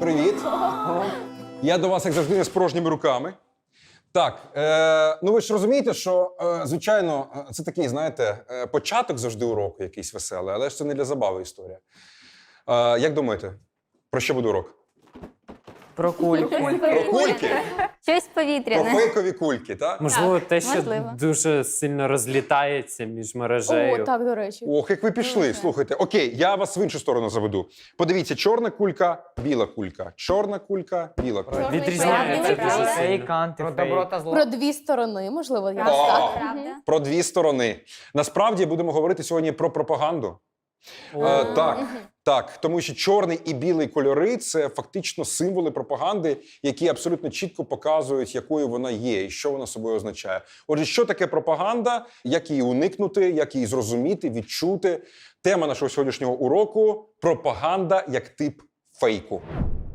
Привіт. Я до вас, як завжди, не з порожніми руками. Так, ну ви ж розумієте, що, звичайно, це такий, знаєте, початок завжди уроку якийсь веселий, але ж це не для забави історія. Як думаєте, про що буде урок? Про кульки. Про кульки? Щось Про повітряне. фейкові кульки, так? Можливо, те, що можливо. дуже сильно розлітається між мережею. О, так, до речі. Ох, як ви пішли, слухайте. Окей, я вас в іншу сторону заведу. Подивіться, чорна кулька, біла кулька. Чорна кулька, біла кулька. Відрізняється Правда. дуже Фейк, сильно. антифейк. Про добро та зло. Про дві сторони, можливо, я О, так. Правда. Про дві сторони. Насправді будемо говорити сьогодні про пропаганду. Так, тому що чорний і білий кольори – це фактично символи пропаганди, які абсолютно чітко показують, якою вона є і що вона собою означає. Отже, що таке пропаганда, як її уникнути, як її зрозуміти, відчути. Тема нашого сьогоднішнього уроку – пропаганда як тип фейку.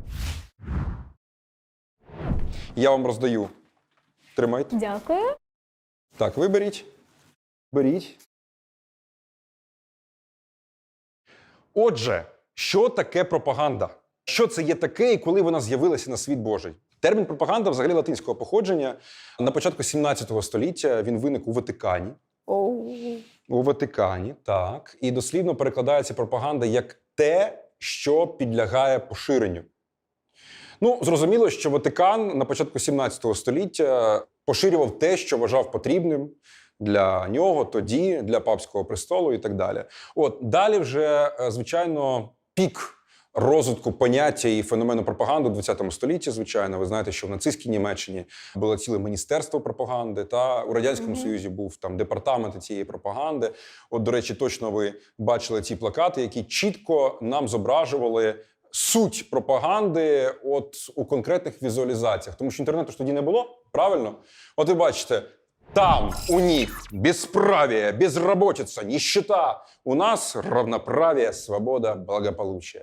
Я вам роздаю. Тримайте. Дякую. Так, виберіть. Беріть. Отже, що таке пропаганда? Що це є таке і коли вона з'явилася на світ Божий? Термін пропаганда взагалі латинського походження. На початку 17 століття він виник у Ватикані. Оу. У Ватикані, так. І дослівно перекладається пропаганда як те, що підлягає поширенню. Ну, зрозуміло, що Ватикан на початку 17 століття поширював те, що вважав потрібним для нього, тоді, для папського престолу і так далі. От, далі вже, звичайно, пік розвитку поняття і феномену пропаганди у 20 столітті, звичайно. Ви знаєте, що в нацистській Німеччині було ціле міністерство пропаганди, та у Радянському Союзі був там департамент цієї пропаганди. От, до речі, точно ви бачили ці плакати, які чітко нам зображували суть пропаганди от у конкретних візуалізаціях. Тому що інтернету ж тоді не було, правильно? От ви бачите, там у них бесправие, безработица, нищета. У нас равноправие, свобода, благополучие.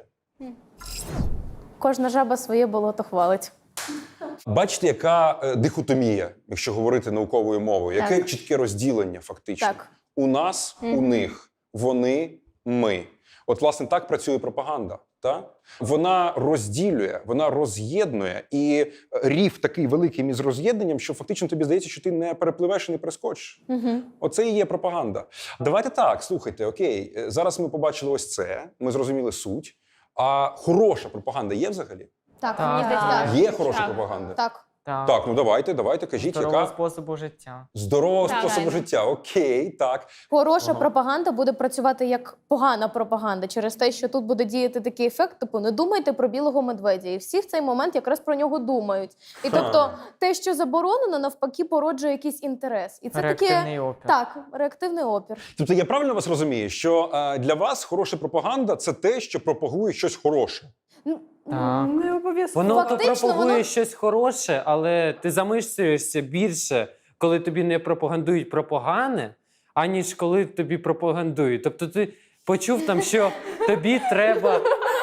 Кожна жаба своє болото хвалить. Бачите, яка дихотомія, якщо говорити науковою мовою? Яке Так. чітке розділення фактично? Так. У нас, у них, вони, ми. От, власне, так працює пропаганда. Та? Вона розділює, вона роз'єднує, і рів такий великий між роз'єднанням, що фактично тобі здається, що ти не перепливеш і не перескочиш. Оце і є пропаганда. Давайте так, слухайте, окей, зараз ми побачили ось це, ми зрозуміли суть, а хороша пропаганда є взагалі? Так, Так. мені здається, так. Є хороша пропаганда? Так. Так, ну давайте, кажіть, Здорового яка? способу життя. Здорового Так. способу життя, окей, так. Хороша пропаганда буде працювати як погана пропаганда через те, що тут буде діяти такий ефект, типу, не думайте про білого медведя. І всі в цей момент якраз про нього думають. І тобто те, що заборонено, навпаки, породжує якийсь інтерес. І це Реактивний таке... опір. Так, реактивний опір. Тобто я правильно вас розумію, що для вас хороша пропаганда – це те, що пропагує щось хороше? Так. Не обов'язково. Воно то Фактично, пропагує воно... щось хороше, але ти замислюєшся більше, коли тобі не пропагандують про погане, аніж коли тобі пропагандують. Тобто ти почув там, що тобі треба...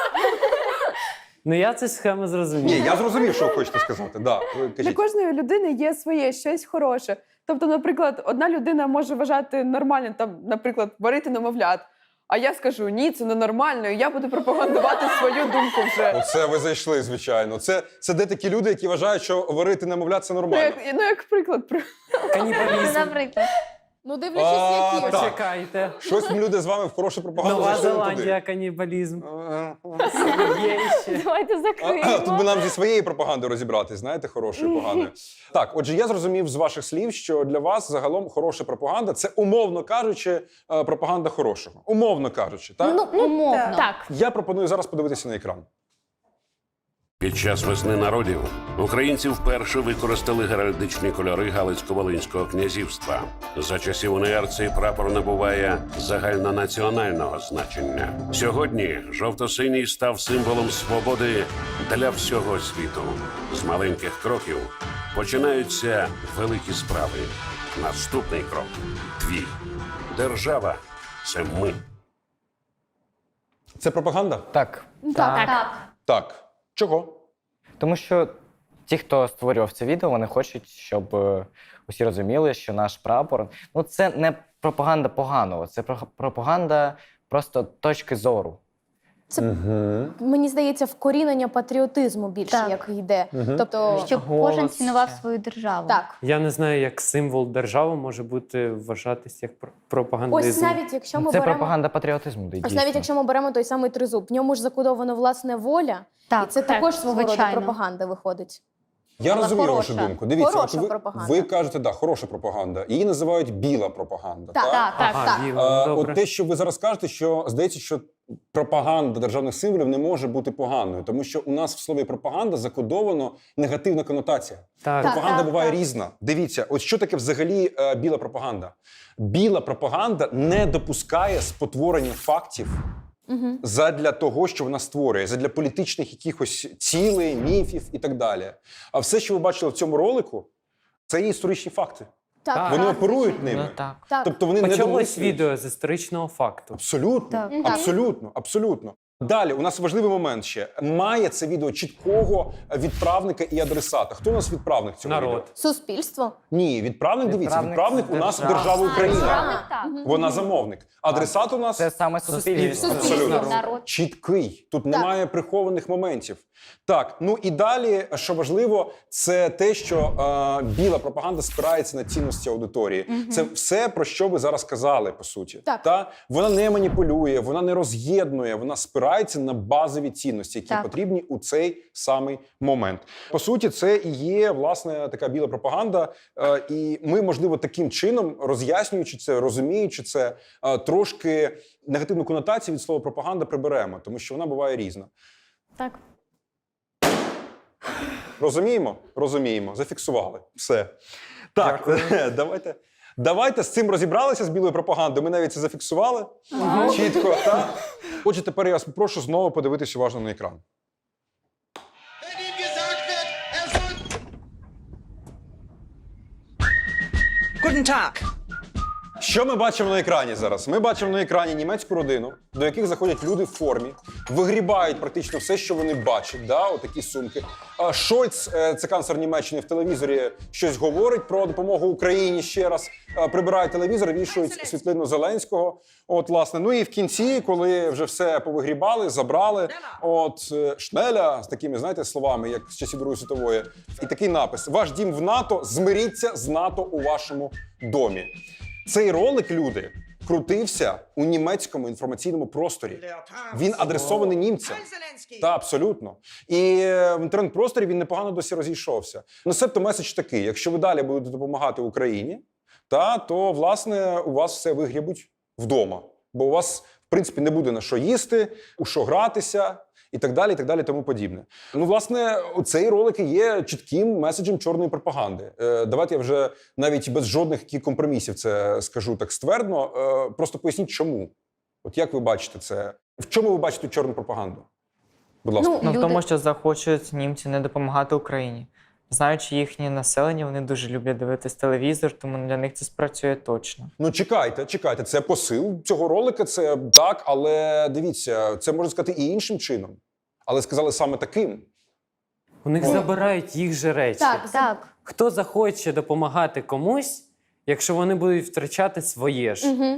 Ну я цю схему зрозумів. Ні, я зрозумів, що ви хочете сказати. Да, ви Для кажіть. кожної людини є своє щось хороше. Тобто, наприклад, одна людина може вважати нормальним, там, наприклад, варити немовлят. А я скажу, ні, це ненормально, і я буду пропагандувати свою думку вже. Оце ви зайшли, звичайно. Це де такі люди, які вважають, що варити немовлят – це Ну, нормально. як приклад. Канібалізм. Наприклад. Ну, дивлячись, які. так. Почекайте. Щось люди з вами в хорошу пропаганду Нова зайшли не туди. Зеландія, канібалізм. Є ще. Давайте Тут закриємо. би нам зі своєю пропагандою розібратись, знаєте, хорошою, поганою. Так, отже, я зрозумів з ваших слів, що для вас загалом хороша пропаганда – це, умовно кажучи, пропаганда хорошого. Умовно кажучи, так? Ну, умовно. Так. Я пропоную зараз подивитися на екран. Під час весни народів українці вперше використали геральдичні кольори Галицько-Волинського князівства. За часів УНР цей прапор набуває загальнонаціонального значення. Сьогодні жовто-синій став символом свободи для всього світу. З маленьких кроків починаються великі справи. Наступний крок – твій. Держава – це ми. Це пропаганда? Так. Так. Так. Чого? Тому що ті, хто створював це відео, вони хочуть, щоб усі розуміли, що наш прапор... Ну, це не пропаганда поганого, це пропаганда просто точки зору. Це, Угу. мені здається, вкорінення патріотизму більше, Так. як йде. Мгм. Тобто, Щоб Голос кожен цінував ще. свою державу. так. Я не знаю, як символ держави може бути вважатись як пропагандизм. Ось навіть якщо ми Це беремо... пропаганда патріотизму. Ось навіть якщо ми беремо той самий тризуб, в ньому ж закодовано власне воля, Так, і це також свого роду звичайно. пропаганда виходить. Я Але розумію хороша. вашу думку. Дивіться, Хороша от пропаганда. ви кажете, да, хороша пропаганда. Її називають біла пропаганда. Так, так, так. Ага, так. вірно, добре. От те, що ви зараз кажете, що здається, що пропаганда державних символів не може бути поганою, тому що у нас в слові пропаганда закодовано негативна конотація. Так. Пропаганда так, буває так. різна. Дивіться, от що таке взагалі біла пропаганда? Біла пропаганда не допускає спотворення фактів Угу. задля того, що вона створює, задля політичних якихось цілей, міфів і так далі. А все, що ви бачили в цьому ролику, це є історичні факти. Так, Так. Вони так, оперують ними. Ну так. так. Тобто вони не Почалось домислюють. відео з історичного факту. Абсолютно, Так. абсолютно, абсолютно. Далі, у нас важливий момент ще. Має це відео чіткого відправника і адресата. Хто у нас відправник цього відео? Народ. Суспільство. Ні, відправник, дивіться, відправник у нас держава. держава Україна. Так. Вона замовник. Адресат у нас Це саме суспільство. Абсолютно. Народ. чіткий. Тут Так. немає прихованих моментів. Так, ну і далі, що важливо, це те, що біла пропаганда спирається на цінності аудиторії. Це все, про що ви зараз казали, по суті. Так. Та? Вона не маніпулює, вона не роз'єднує, вона спирається на базові цінності, які Так. потрібні у цей самий момент. По суті, це і є, власне, така біла пропаганда. І ми, можливо, таким чином, роз'яснюючи це, розуміючи це, трошки негативну конотацію від слова пропаганда приберемо, тому що вона буває різна. Так. Розуміємо? Розуміємо. Зафіксували. Все. Так, давайте з цим розібралися, з білою пропагандою. Ми навіть це зафіксували. Чітко, так? Отже, тепер я вас попрошу знову подивитися уважно на екран. Wenn ihm gesagt wird, er soll... Guten Tag. Що ми бачимо на екрані зараз? Ми бачимо на екрані німецьку родину, до яких заходять люди в формі, вигрібають практично все, що вони бачать, да, отакі сумки. Шольц, це канцлер Німеччини, в телевізорі щось говорить про допомогу Україні ще раз. Прибирають телевізор, вішають світлину Зеленського. От, власне. Ну і в кінці, коли вже все повигрібали, забрали, от Шнеля з такими, знаєте, словами, як з часів Другої світової. І такий напис: «Ваш дім в НАТО, змиріться з НАТО у вашому домі». Цей ролик, люди, крутився у німецькому інформаційному просторі. Він адресований німцям. Та, абсолютно. І в інтернет-просторі він непогано досі розійшовся. Ну, себто меседж такий: якщо ви далі будете допомагати Україні, то, власне, у вас все вигрібуть вдома. Бо у вас, в принципі, не буде на що їсти, у що гратися, і так далі, тому подібне. Ну, власне, цей ролик і є чітким меседжем чорної пропаганди. Давайте я вже навіть без жодних компромісів це скажу так ствердно. Просто поясніть, чому. От як ви бачите це? В чому ви бачите чорну пропаганду? Будь ласка. Ну, В люди... тому, що захочуть німці не допомагати Україні. Знаючи їхнє населення, вони дуже люблять дивитись телевізор, тому для них це спрацює точно. Ну, чекайте, це посил цього ролика, це так, але дивіться, це можна сказати і іншим чином. Але сказали саме таким. У них забирають їх же речі. Так. Хто захоче допомагати комусь, якщо вони будуть втрачати своє ж? Угу.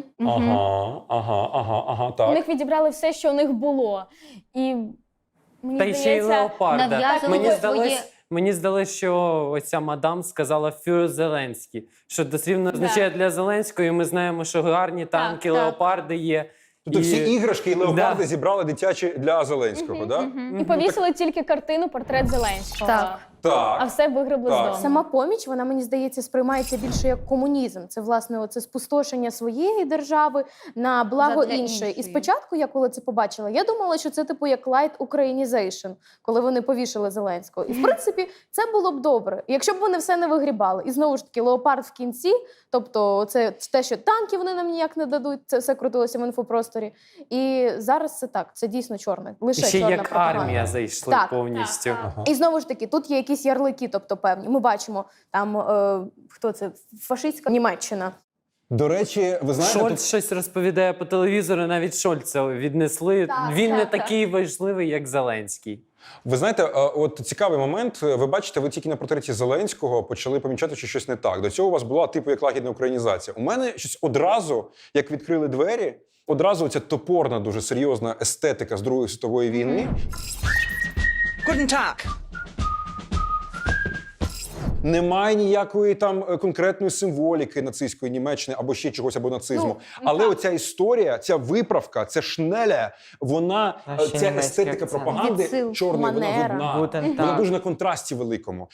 Ага, У так. них відібрали все, що у них було. І мені Та й ще й здається, леопарда. нав'язували своє- Мені здалося, що оця мадам сказала «Фюр Зеленський», що дослівно означає для Зеленського, і ми знаємо, що гарні танки, так. леопарди є. Тобто всі іграшки і леопарди Да. зібрали дитячі для Зеленського, так? і повісили тільки картину «Портрет Зеленського». Так. А Так. все вигребли Так. з дому. Сама поміч, вона, мені здається, сприймається більше як комунізм. Це, власне, оце спустошення своєї держави на благо Задля іншої. І іншої. спочатку, я коли це побачила, я думала, що це типу як light Ukrainization, коли вони повішали Зеленського. І, в принципі, це було б добре. Якщо б вони все не вигрібали. І, знову ж таки, леопард в кінці, тобто це те, що танки вони нам ніяк не дадуть, це все крутилося в інфопросторі. І зараз це так, це дійсно чорне. І Лише ще чорна як пропаганда. армія зайшли Так, повністю. І знову ж таки, тут є якісь ярлики, тобто певні. Ми бачимо там хто це фашистська Німеччина. До речі, ви знаєте, Шольц щось розповідає по телевізору, навіть Шольца віднесли. Так, Він не так, такий важливий, як Зеленський. Ви знаєте, от цікавий момент. Ви бачите, ви тільки на портреті Зеленського почали помічати, що щось не так. До цього у вас була типу як лагідна українізація. У мене щось одразу, як відкрили двері, одразу ця топорна, дуже серйозна естетика з Другої світової війни. Guten Tag. Немає ніякої там конкретної символіки нацистської Німеччини або ще чогось, або нацизму. Але оця історія, ця виправка, ця шнеля, вона, Наші ця німецькі естетика акценти. пропаганди Відсил, чорної, вона манера. видна. Гутен Вона Таг. дуже на контрасті великому.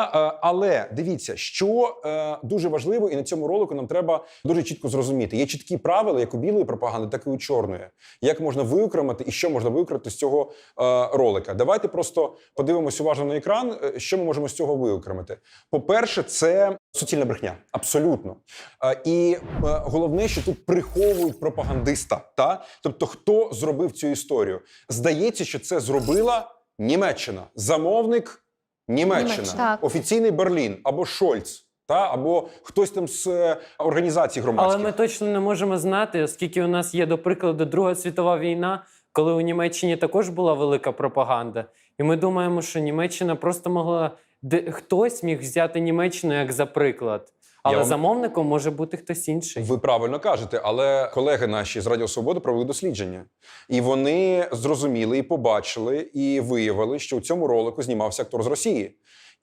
Але дивіться, що дуже важливо, і на цьому ролику нам треба дуже чітко зрозуміти. Є чіткі правила, як у білої пропаганди, так і у чорної. Як можна виокремити і що можна виокремити з цього ролика. Давайте просто подивимось уважно на екран, що ми можемо з цього виокремити. По-перше, це суцільна брехня. Абсолютно. І головне, що тут приховують пропагандиста. Та? Тобто, хто зробив цю історію? Здається, що це зробила Німеччина. Замовник – Німеччина. Так. Офіційний Берлін або Шольц. Або хтось там з організацій громадських. Але ми точно не можемо знати, оскільки у нас є, до прикладу, Друга світова війна, коли у Німеччині також була велика пропаганда. І ми думаємо, що Німеччина просто могла... Хтось міг взяти Німеччину як за приклад. Але замовником може бути хтось інший. Ви правильно кажете, але колеги наші з Радіо Свобода провели дослідження. І вони зрозуміли, і побачили, і виявили, що у цьому ролику знімався актор з Росії.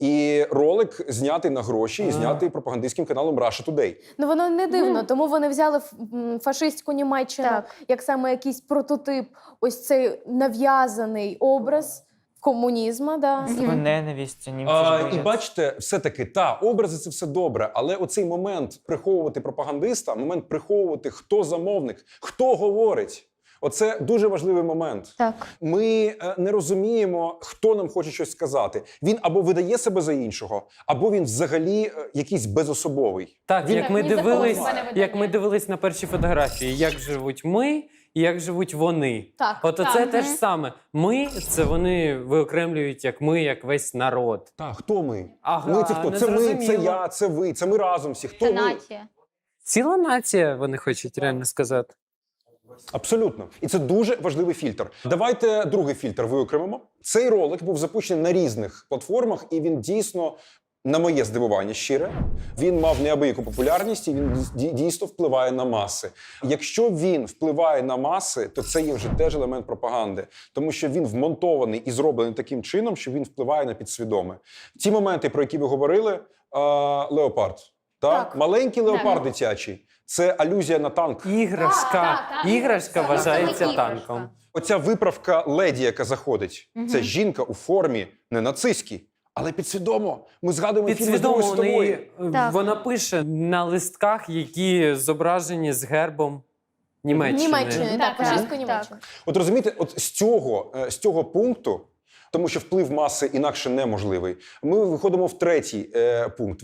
І ролик знятий на гроші, і знятий пропагандистським каналом Russia Today. Ну воно не дивно, тому вони взяли фашистську Німеччину як саме якийсь прототип, ось цей нав'язаний образ комунізму. Да. Ненависть, німці І бачите, все-таки, образи – це все добре, але оцей момент приховувати пропагандиста, момент приховувати, хто замовник, хто говорить, оце дуже важливий момент. Так. Ми не розуміємо, хто нам хоче щось сказати. Він або видає себе за іншого, або він взагалі якийсь безособовий. Так, як ми ні за кого дивились, себе не видає. як ми дивились на першій фотографії, як живуть ми і як живуть вони. Так, От оце те ж саме. Ми – це вони виокремлюють як ми, як весь народ. Так, хто ми? Ага, Ми – це хто? не Це ми, це зрозуміло. я, це ви, це ми разом всі. Хто Це ми? нація. Ціла нація, вони хочуть реально сказати. Абсолютно. І це дуже важливий фільтр. Давайте другий фільтр виокремимо. Цей ролик був запущений на різних платформах, і він дійсно, на моє здивування щире, він мав неабияку популярність, і він дійсно впливає на маси. Якщо він впливає на маси, то це є вже теж елемент пропаганди. Тому що він вмонтований і зроблений таким чином, що він впливає на підсвідоме. Ті моменти, про які ви говорили, леопард. Так. Маленький леопард дитячий. Це алюзія на танк. Іграшка вважається Це іграшка. танком. Оця виправка леді, яка заходить, це жінка у формі не нацистській, але підсвідомо. Ми згадуємо фільми з Другої Підсвідомо світової. Так. вона пише на листках, які зображені з гербом Німеччини. Німеччини, так, Так, фашистську так. Німеччину. От розумієте, от з цього пункту, тому що вплив маси інакше неможливий, ми виходимо в третій пункт.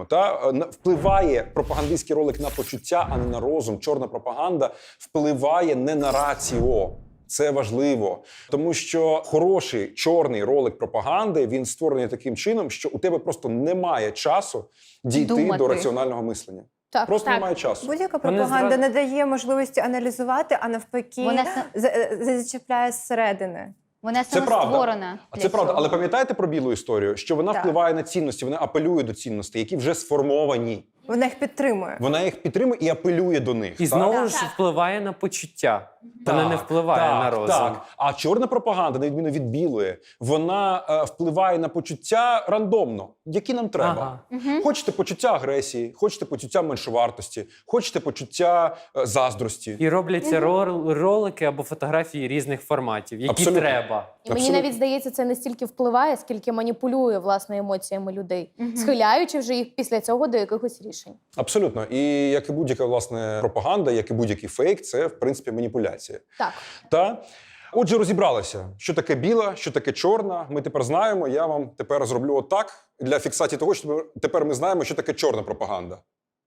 Впливає пропагандистський ролик на почуття, а не на розум. Чорна пропаганда впливає не на раціо. Це важливо, тому що хороший чорний ролик пропаганди, він створений таким чином, що у тебе просто немає часу дійти Думати. до раціонального мислення. Так. Просто Так. немає часу. Будь-яка Вони пропаганда зразу- не дає можливості аналізувати, а навпаки Вона зачіпляє зсередини. Вона Це правда. створена. Це правда, але пам'ятаєте про білу історію, що вона Так. впливає на цінності, вона апелює до цінностей, які вже сформовані. Вона їх підтримує. Вона їх підтримує і апелює до них. І так? знову ж впливає на почуття. Вона не впливає на розум. Так. А чорна пропаганда, на відміну від білої, вона впливає на почуття рандомно, які нам треба. Ага. Хочете почуття агресії, хочете почуття меншовартості, хочете почуття заздрості. І робляться ролики або фотографії різних форматів, які Абсолютно. треба. І мені Абсолютно. навіть здається, це не стільки впливає, скільки маніпулює власне емоціями людей, схиляючи вже їх після цього до якихось рішень. Абсолютно. І як і будь-яка власне пропаганда, як і будь-який фейк, це в принципі маніпуляція. Так. Та отже, розібралися, що таке біла, що таке чорна. Ми тепер знаємо. Я вам тепер зроблю отак для фіксації того, що тепер ми знаємо, що таке чорна пропаганда.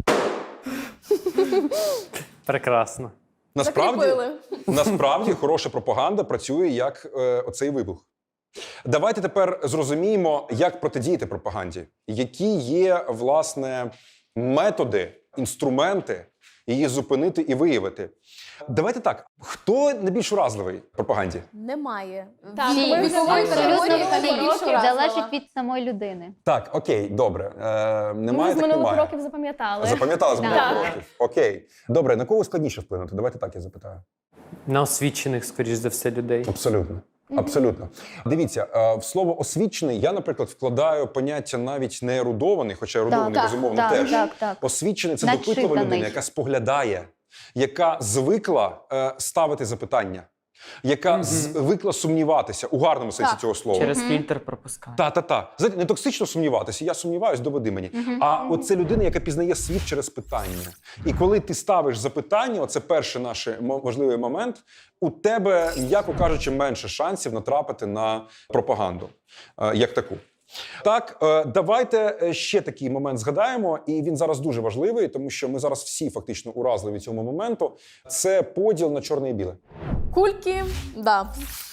Прекрасно. Насправді хороша пропаганда працює як оцей вибух. Давайте тепер зрозуміємо, як протидіяти пропаганді, які є власне методи інструменти її зупинити і виявити. Давайте так, хто найбільш уразливий в пропаганді? Немає. Так, Всі ми вікової абсолютно категорії всі. найбільш уразлива. Залежить від самої людини. Так, окей, добре. Немає, Ми з так минулих немає. років запам'ятали. Запам'ятали з минулих Так. років. Окей. Добре, на кого складніше вплинути? Давайте так я запитаю. На освічених, скоріш за все, людей. Абсолютно. Абсолютно. Дивіться, в слово освічений я, наприклад, вкладаю поняття навіть не ерудований, хоча ерудований, Так, безумовно, так, теж. так. Освічений – це допитлива Начитаний. людина, яка споглядає, яка звикла ставити запитання, яка звикла сумніватися у гарному сенсі Так. цього слова. Через фільтр пропускає. Та. Знаєте, не токсично сумніватися, я сумніваюсь, доведи мені. А от це людина, яка пізнає світ через питання. І коли ти ставиш запитання, оце перший наш важливий момент, у тебе, м'яко кажучи, менше шансів натрапити на пропаганду як таку. Так, давайте ще такий момент згадаємо, і він зараз дуже важливий, тому що ми зараз всі фактично уразливі цьому моменту. Це поділ на чорне і біле. Кульки, да.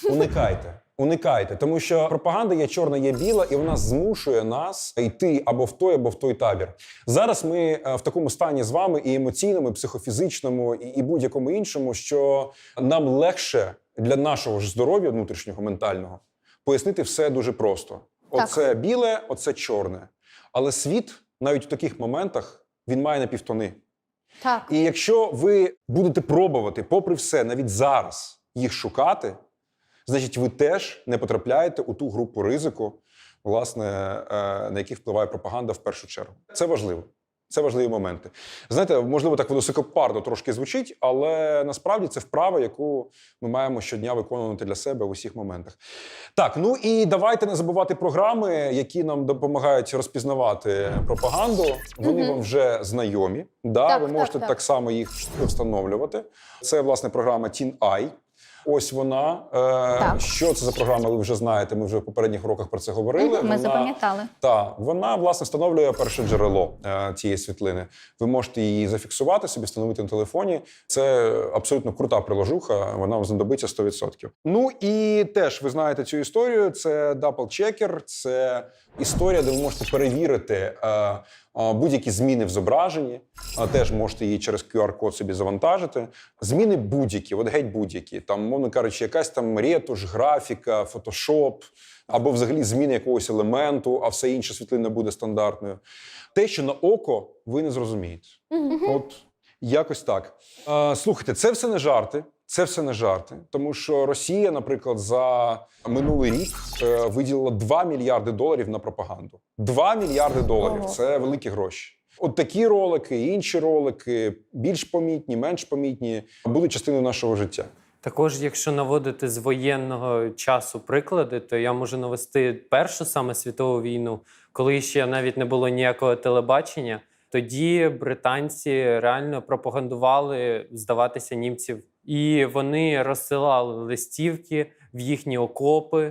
Уникайте, тому що пропаганда є чорна, є біла, і вона змушує нас йти або в той табір. Зараз ми в такому стані з вами і емоційному, і психофізичному, і будь-якому іншому, що нам легше для нашого ж здоров'я внутрішнього, ментального, пояснити все дуже просто. Оце біле, оце чорне. Але світ, навіть у таких моментах, він має напівтони. Так. І якщо ви будете пробувати, попри все, навіть зараз їх шукати, значить, ви теж не потрапляєте у ту групу ризику, власне, на яких впливає пропаганда в першу чергу. Це важливо. Це важливі моменти. Знаєте, можливо, так високопарно трошки звучить, але насправді це вправа, яку ми маємо щодня виконувати для себе в усіх моментах. Так, ну і давайте не забувати програми, які нам допомагають розпізнавати пропаганду. Вони вам вже знайомі. Да, Так, ви так, можете так. так само їх встановлювати. Це, власне, програма TeenEye. Ось вона. Що це за програма, ви вже знаєте, ми вже в попередніх уроках про це говорили. Ми запам'ятали. Так, вона, власне, встановлює перше джерело цієї світлини. Ви можете її зафіксувати собі, встановити на телефоні. Це абсолютно крута приложуха, вона вам знадобиться 100%. Ну і теж ви знаєте цю історію, це Double Checker, це історія, де ви можете перевірити будь-які зміни в зображенні, теж можете її через QR-код собі завантажити. Зміни будь-які, от геть будь-які. Там, мовно кажучи, якась там ретуш, графіка, фотошоп, або взагалі зміни якогось елементу, а все інше світлина буде стандартною. Те, що на око ви не зрозумієте. От якось так. Слухайте, це все не жарти. Це все не жарти, тому що Росія, наприклад, за минулий рік виділила $2 мільярди на пропаганду. $2 мільярди – це великі гроші. От такі ролики, інші ролики, більш помітні, менш помітні, будуть частиною нашого життя. Також, якщо наводити з воєнного часу приклади, то я можу навести Першу саме світову війну, коли ще навіть не було ніякого телебачення. Тоді британці реально пропагандували здаватися німців. І вони розсилали листівки в їхні окопи.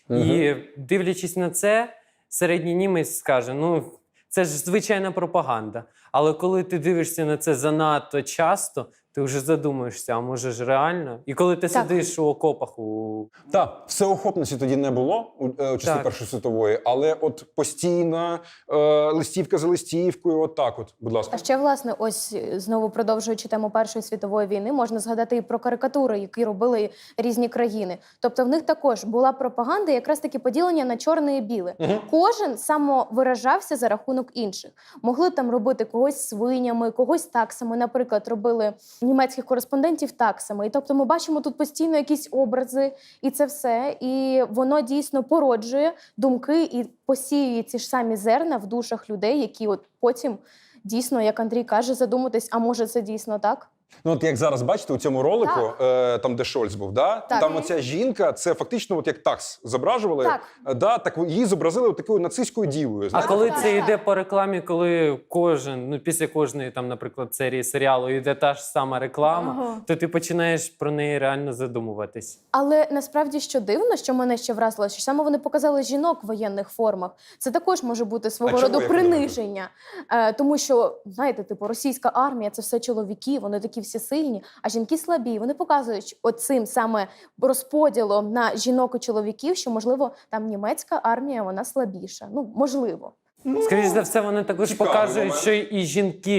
І дивлячись на це, середній німець скаже, ну, це ж звичайна пропаганда. Але коли ти дивишся на це занадто часто, ти вже задумуєшся, а може ж реально? І коли ти сидиш у окопах Так, всеохопності тоді не було у часи Першої світової, але от постійна листівка за листівкою, от так от, будь ласка. А ще, власне, ось знову продовжуючи тему Першої світової війни, можна згадати і про карикатури, які робили різні країни. Тобто в них також була пропаганда, якраз таки поділення на чорне і біле. Кожен самовиражався за рахунок інших. Могли там робити когось свинями, когось таксами. Наприклад, робили німецьких кореспондентів таксами. І тобто ми бачимо тут постійно якісь образи, і це все. І воно дійсно породжує думки і посіює ці ж самі зерна в душах людей, які от потім дійсно, як Андрій каже, задуматись, а може це дійсно так? Ну, от як зараз бачите, у цьому ролику, там, де Шольц був, да? Там оця жінка, це фактично от як такс зображували, так її зобразили такою нацистською дівою. А коли це йде по рекламі, коли кожен, ну після кожної там, наприклад, серії серіалу йде та ж сама реклама, то ти починаєш про неї реально задумуватись. Але насправді, що дивно, що мене ще вразило, що саме вони показали жінок в воєнних формах. Це також може бути свого роду приниження. Тому що, знаєте, типу, російська армія – це все чоловіки, вони такі всі сильні, а жінки слабі. Вони показують оцим саме розподілом на жінок і чоловіків, що, можливо, там німецька армія, вона слабіша. Ну, можливо. Скоріше за все, вони також показують, що і жінки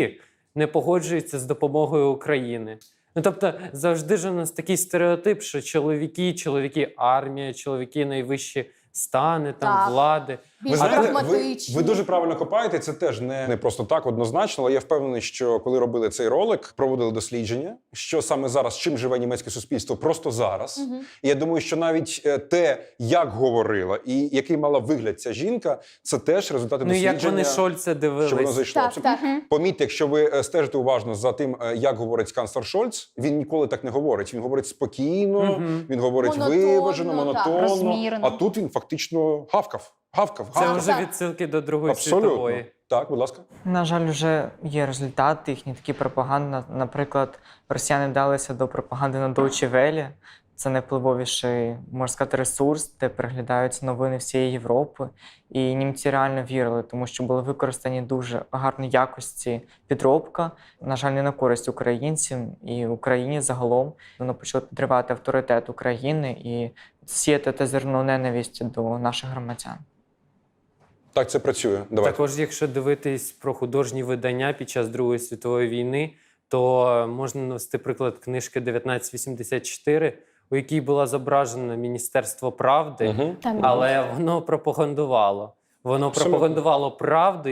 не погоджуються з допомогою України. Ну, тобто, завжди ж у нас такий стереотип, що чоловіки армія, чоловіки найвищі стани, там, Так. влади. Більш Ви знаєте, прагматичні. ви дуже правильно копаєте, це теж не просто так однозначно, але я впевнений, що коли робили цей ролик, проводили дослідження, що саме зараз, чим живе німецьке суспільство, просто зараз. І я думаю, що навіть те, як говорила і який мала вигляд ця жінка, це теж результати Ну, дослідження. як вони Шольца Що воно дивились. зайшло. Так, так. Помітьте, якщо ви стежите уважно за тим, як говорить канцлер Шольц, він ніколи так не говорить. Він говорить спокійно, він говорить Монотонно, виважено, так. монотонно. Розмірено. А тут він фактично гавкав. Це Так, вже так. відсилки до Другої Абсолютно. світової. Так, будь ласка. На жаль, вже є результати їхні такі пропаганди. Наприклад, росіяни вдалися до пропаганди на Deutsche Welle. Це найвпливовіший, можна сказати, ресурс, де переглядаються новини всієї Європи. І німці реально вірили, тому що були використані дуже гарної якості підробка. На жаль, не на користь українцям і Україні загалом. Воно почало підривати авторитет України і сіяти те зерно ненависті до наших громадян. Так, це працює. Давайте. Також, якщо дивитись про художні видання під час Другої світової війни, то можна навести приклад книжки 1984, у якій було зображено Міністерство правди, Мгм. але воно пропагандувало. Воно Абсолютно. пропагандувало правду,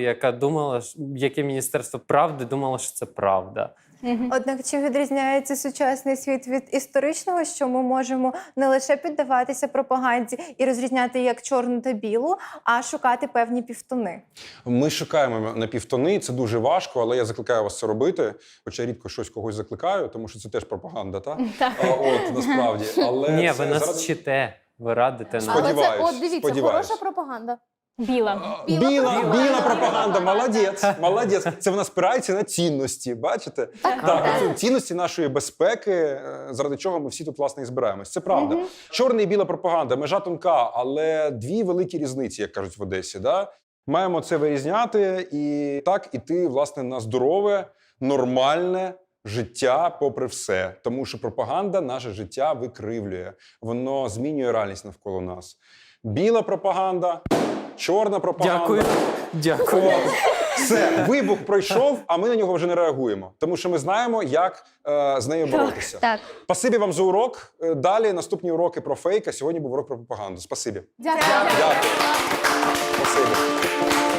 яке Міністерство правди думало, що це правда. Однак чим відрізняється сучасний світ від історичного, що ми можемо не лише піддаватися пропаганді і розрізняти як чорну та білу, а шукати певні півтони. Ми шукаємо напівтони, це дуже важко, але я закликаю вас це робити. Хоча я рідко щось когось закликаю, тому що це теж пропаганда, так? От, насправді. Але Ні, це ви нас заради- вчите, ви радите нам. Але це, Сподіваюсь, от дивіться, сподіваюсь. хороша пропаганда. Біла. Біла пропаганда, молодець, молодець. Це вона спирається на цінності, бачите? Так, це цінності нашої безпеки, заради чого ми всі тут, власне, і збираємось. Це правда. Чорна і біла пропаганда, межа тонка, але дві великі різниці, як кажуть в Одесі. Да? Маємо це вирізняти і так іти, власне, на здорове, нормальне життя попри все. Тому що пропаганда наше життя викривлює. Воно змінює реальність навколо нас. Біла пропаганда, чорна пропаганда. Дякую. Дякую. От. Все, вибух пройшов, а ми на нього вже не реагуємо. Тому що ми знаємо, як з нею боротися. Так. Спасибі вам за урок. Далі наступні уроки про фейк, а сьогодні був урок про пропаганду. Спасибі. Дякую. Дякую. Спасибі.